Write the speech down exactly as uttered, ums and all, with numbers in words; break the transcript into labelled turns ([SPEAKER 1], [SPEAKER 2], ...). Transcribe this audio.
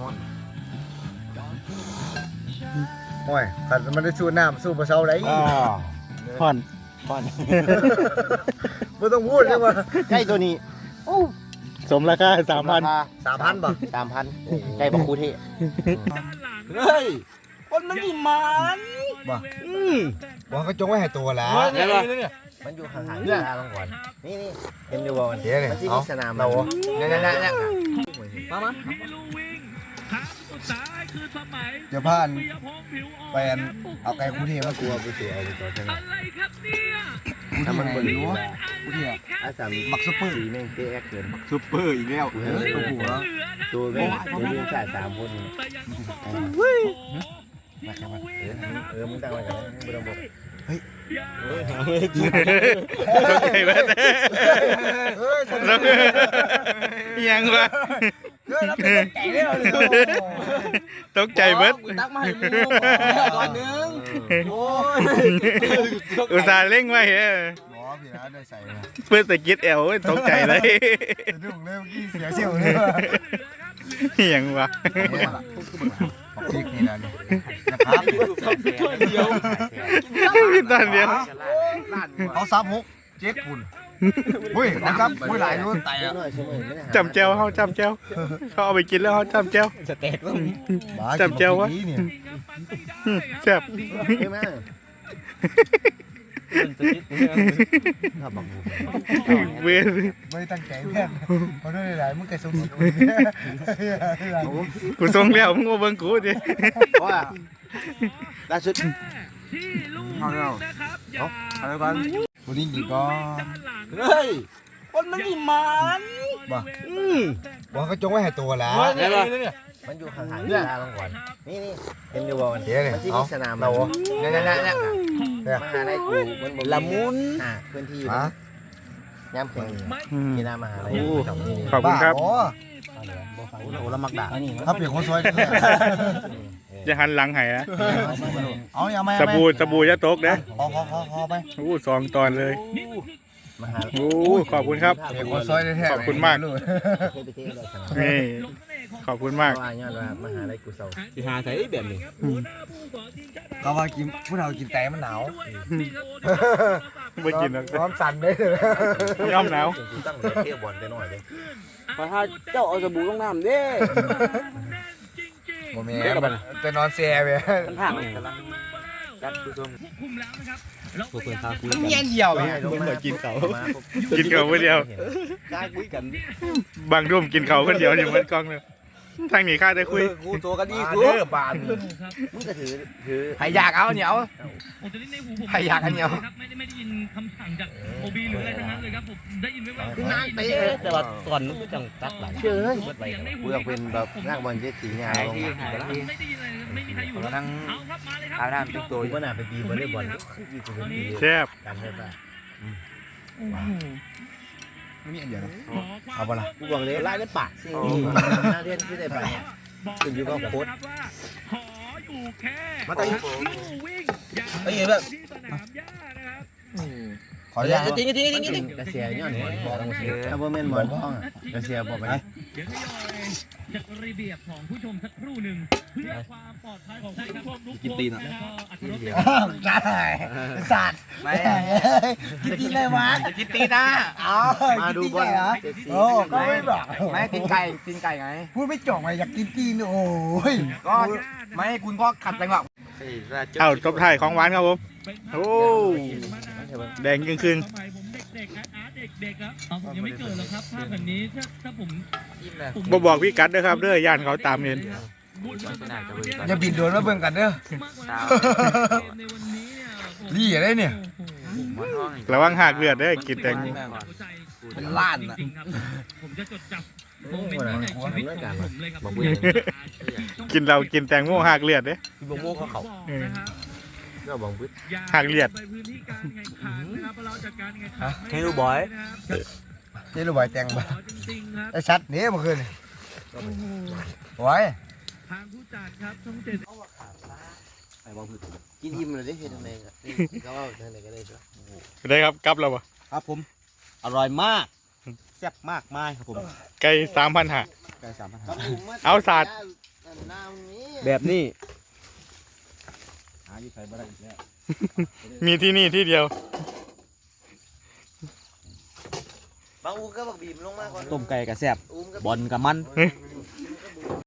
[SPEAKER 1] อน
[SPEAKER 2] โอ้ยขันมันได้สู้น้ำสู้ปลาเช้าไร
[SPEAKER 3] ผ่อนผ่อน
[SPEAKER 2] ไม่ต้องพูดเลยว่า
[SPEAKER 1] ใกล้ตัวนี้
[SPEAKER 3] สมราคาสามพัน
[SPEAKER 2] สามพันบ่
[SPEAKER 1] สามพันใกล้บักคูเท
[SPEAKER 4] เฮ้ยคนมันนี่มัน
[SPEAKER 2] บ่ว่าเขาจงไว้ให้ตัวแล้ว
[SPEAKER 4] เนี่ยเนี่ย
[SPEAKER 1] มันอยู่ห่างๆเนี่ยลงก่อนนี่นี่เห็นอยู่บ่มัน
[SPEAKER 2] เดี๋ยวนี่
[SPEAKER 1] มันที่
[SPEAKER 2] เอา
[SPEAKER 1] มีสนาม
[SPEAKER 2] เราเนี่ยเนี่ยเนี่ย
[SPEAKER 4] มามา
[SPEAKER 2] เดี๋ยวพานไปเอาไก่คู่เทียมากลัวไปเสียเอาไปต่อใช่ไหม
[SPEAKER 1] ถ้ามันบริ
[SPEAKER 2] รู้
[SPEAKER 1] วาร
[SPEAKER 2] คู่เทียม
[SPEAKER 1] อาสาม
[SPEAKER 2] บักซุปเปอร์
[SPEAKER 1] สีแม่งเป๊ะเกิน
[SPEAKER 4] ซุปเปอร์อีกแล้ว
[SPEAKER 2] เออตัวหัว
[SPEAKER 1] ตัวแม่งเรียนสายสามคนนี่เออมึงตั้งไว้กันมึงต้องบอก
[SPEAKER 3] ตกใจเบิด
[SPEAKER 2] เฮ้ย
[SPEAKER 3] ยังวะ
[SPEAKER 2] เฮ้ยรับเป็นไก่ได้เลย
[SPEAKER 3] ตกใจเบิด
[SPEAKER 4] ตักมาให้มึงก่อนนึงโอ้ย
[SPEAKER 3] อุตส่าห์เร่งไว้เฮ้ย
[SPEAKER 2] หมอพี่นะได้ใส่
[SPEAKER 3] เพื่อตะกิดแอวตกใจเลย
[SPEAKER 2] สะดุ้งเลยเมื่อกี้เสียเชี่ยวเลยว่ะ
[SPEAKER 3] ยังวะ
[SPEAKER 2] บอกพริกนี่นะนี่นะครับ
[SPEAKER 4] เดียว
[SPEAKER 3] ตอนเดียว
[SPEAKER 2] เขาซับหกเจ็ดปุ่นเฮ้ยนะครับเฮ้ยหลายอยู่ไตอ่ะ
[SPEAKER 3] จำเจ้าเขาจำเจ้าเขาเอาไปกินแล้วเขาจำเจ้า
[SPEAKER 1] สเต็กว่า
[SPEAKER 3] จำเจ้าวะ แซ่บ
[SPEAKER 1] ใช่ไหมถ้าบัง
[SPEAKER 3] เวียน
[SPEAKER 2] ไม่ตั้งใจเพื่อนเขาด้วยหลายมึงไก่สมศรี
[SPEAKER 3] กูส่งแล้วมึงมาเบิ่งกูดิ
[SPEAKER 1] เพราะว่าล่าสุด
[SPEAKER 2] เอาแล้วเอาอะไรกันวันนี้กี่ก้อน
[SPEAKER 4] เฮ้ยคนมันนี่มัน
[SPEAKER 2] บ่ว่าเขาจงไว้ให้ตัวแล้ว
[SPEAKER 4] เนี่ยเนี่ย
[SPEAKER 1] มันอยู่ห่างๆเนี่ยลงก่อนนี่นี่เห็นอยู่บ่มัน
[SPEAKER 2] เดี๋ยวนี่
[SPEAKER 1] มันที่
[SPEAKER 2] เอา
[SPEAKER 1] มีสนาม
[SPEAKER 2] เราเนี่ยเนี่ยเนี่ยเนี่ย
[SPEAKER 1] มหาลัยกูมันบ่
[SPEAKER 4] ละมุน
[SPEAKER 1] อ่าพื้นที่อยู่
[SPEAKER 2] ฮะ
[SPEAKER 1] ย่ำแข็งกีฬามหาลัย
[SPEAKER 3] ขอบคุณครับ
[SPEAKER 2] โอ้
[SPEAKER 4] โอ้ละมักด่า
[SPEAKER 2] ถ้าเปลี่ยนคนสวย
[SPEAKER 3] จะหันหลังให้นะ
[SPEAKER 2] เอาอย่ามา
[SPEAKER 3] สบู่สบู่จะตกนะ
[SPEAKER 2] ขอขอขอขอไป
[SPEAKER 3] โอ้สองตอนเลย
[SPEAKER 1] มหา
[SPEAKER 3] โอ้ขอบคุณครับ
[SPEAKER 2] เปลี่ยนคนสวยแท้
[SPEAKER 3] ขอบคุณมาก
[SPEAKER 1] เคยไปเที่ยวเลยสนาม
[SPEAKER 3] นี่ขอบคุณมาก
[SPEAKER 1] เพราะว่าย้อนว่ามหาลัยกูเศร้า
[SPEAKER 4] ที่หาใส่แบบนี้
[SPEAKER 2] ก็ว่ากินผู้เรากินแต่มันหนาว
[SPEAKER 3] ไม่กินหรอก
[SPEAKER 2] พร้อมสั่นได้เลย
[SPEAKER 3] ย่อมหนาว
[SPEAKER 1] กูตั้งเที่ยวบอลไปหน่อยเลย
[SPEAKER 4] พอถ้าเจ้าเอาสบู่ลงน้ำเด้
[SPEAKER 2] โมเมนต์จะนอนแซ่ไป
[SPEAKER 4] มันห่างกำลังจัดผู้ชมพวกเพื่อนข้าคุยกัน
[SPEAKER 2] เงี้ยเหี่ยว
[SPEAKER 1] ไม่
[SPEAKER 2] เนี่ย
[SPEAKER 1] ให้ลงมากินเขา
[SPEAKER 3] กินเขาคนเดียว
[SPEAKER 4] กายคุยกัน
[SPEAKER 3] บางรุ่มกินเขาคนเดียวอยู่บนกล้องเลยทางนี้ข้าได้คุย
[SPEAKER 4] กูโตกันดีกู
[SPEAKER 2] เด้อบาน
[SPEAKER 1] มึงก็ถือถือ
[SPEAKER 2] ใครอยากเอาเหนียวใครอยากอันเหนียว
[SPEAKER 5] ไม่ได้ไม่ได้ยินคำสั่งจากโอบีหรืออะไรทั้งนั้นเลยครับผมได้ยินไว้ว่า
[SPEAKER 1] คือนั่งเตะ
[SPEAKER 4] แต่ว่าตอนนู้นก็จังตัดหลาย
[SPEAKER 1] เชื่อเลยกูอยากเป็นแบบนั่งบอลเจ็ตสีเงาลงมา
[SPEAKER 5] ไม่ได้ยินอะไรไม่มีใครอยู่แล้ว
[SPEAKER 4] นั่ง
[SPEAKER 5] เอาครับมาเลยครับ
[SPEAKER 4] อาบน้ำติ๊กตัว
[SPEAKER 1] กูก็น่าไปตีวอลเลย์บอล
[SPEAKER 3] แซ่บ
[SPEAKER 1] กันได้ป่ะ
[SPEAKER 2] ไม่มีอันเดียวเอาปะล่ะ
[SPEAKER 1] กูบอกเลยไล่ได้ปากสิน่าเรียนที่ได้ไปขึ้นอยู่กับโค้ช
[SPEAKER 5] ขออยู่แค่
[SPEAKER 1] มาตั้ง
[SPEAKER 5] วิ่ง
[SPEAKER 4] ไอ้เหี้ยแบบ
[SPEAKER 5] ที่สนามหญ้านะครับ
[SPEAKER 2] ขออนุญาต
[SPEAKER 4] จริงจริงจริงจริง
[SPEAKER 1] กระเสียย้อนหมอนบอกถ้าบ่แม่นหมอนบ้องกระเสียบอกไป
[SPEAKER 5] เดี๋ยวทยอยจัดระเบียบของผู้ชมสักครู่หนึ่งเพื่อความปลอดภัยของท่านผู้ชมทุกคนแล้วก็อัตรรส
[SPEAKER 2] ได้สัตว์ไม่กินตีเลยวะ
[SPEAKER 4] กินตีนะ
[SPEAKER 2] เอา
[SPEAKER 1] มาดูบอล
[SPEAKER 2] เหรอโอ้ก็ไม่บอก
[SPEAKER 4] ไม่กินไก่กินไก่ไง
[SPEAKER 2] พูดไม่จบไงอยากกินตีนโอ้ย
[SPEAKER 4] ก็ไม่คุณก็ขัดจังหวะ
[SPEAKER 3] เอาตบท้ายของหวานครับผมโอ้แดงครึ่ง
[SPEAKER 5] สมัยผมเด็กๆนะอาร์ตเด็กๆครับเอาผมยังไม่เกิดหรอกครับภาพแบบนี้ถ้าถ้าผม
[SPEAKER 3] ๆบ่บอกพี่กัดเด้อครับเด้อย่านเขาตามเห็น
[SPEAKER 2] อย่าบินโดนมาเบิ่งกันเด้อ
[SPEAKER 5] ในวันนี้เนี่ยผม
[SPEAKER 2] ดีอะไรเนี่ย
[SPEAKER 3] ระวังหักเลือดเด้อกินแตง
[SPEAKER 2] เป็นล้านอะ
[SPEAKER 5] ผมจะจดจำโมเมนต์นี้ในชีวิตของผมเลยครับ
[SPEAKER 3] กินเรากินแตงโมหักเลือดเด้อ
[SPEAKER 4] โมโม่เขาเขา
[SPEAKER 1] ก็บอกบึ้ด
[SPEAKER 3] หักเลือด
[SPEAKER 5] ไปพื้นที่การแข่งขันนะครับเราจัดการแข่งขัน
[SPEAKER 4] เฮลูบอย
[SPEAKER 2] นี่รู้ไหวแตงบ่
[SPEAKER 5] จริงๆครับ
[SPEAKER 2] ไอ้ชัดนี่เมื่อคืนไว้
[SPEAKER 5] ทางผู้จัดครับช่องเจ็ด
[SPEAKER 1] กินอิ่มเลยได้เห็นทำไมก็ว่าทางไหนก็ได้จ้ะ
[SPEAKER 3] ได้ครับกลับแล้วบ่
[SPEAKER 4] ครับผมอร่อยมากแซ่บมากมากครับผม
[SPEAKER 3] ไก่สามพันห้า
[SPEAKER 4] ไก่สามพัน
[SPEAKER 3] เอาศาสตร์
[SPEAKER 1] น้ำนี้
[SPEAKER 2] แบบนี้
[SPEAKER 1] หาอยู่ใส่บ่ได้อีกแล้ว
[SPEAKER 3] มีที่นี่ที่เดียว
[SPEAKER 1] บางอูก็บักบีมลงมาก่อน
[SPEAKER 2] ต้มไก่กับแซ่บ
[SPEAKER 1] อูมก็
[SPEAKER 2] บอลกับมัน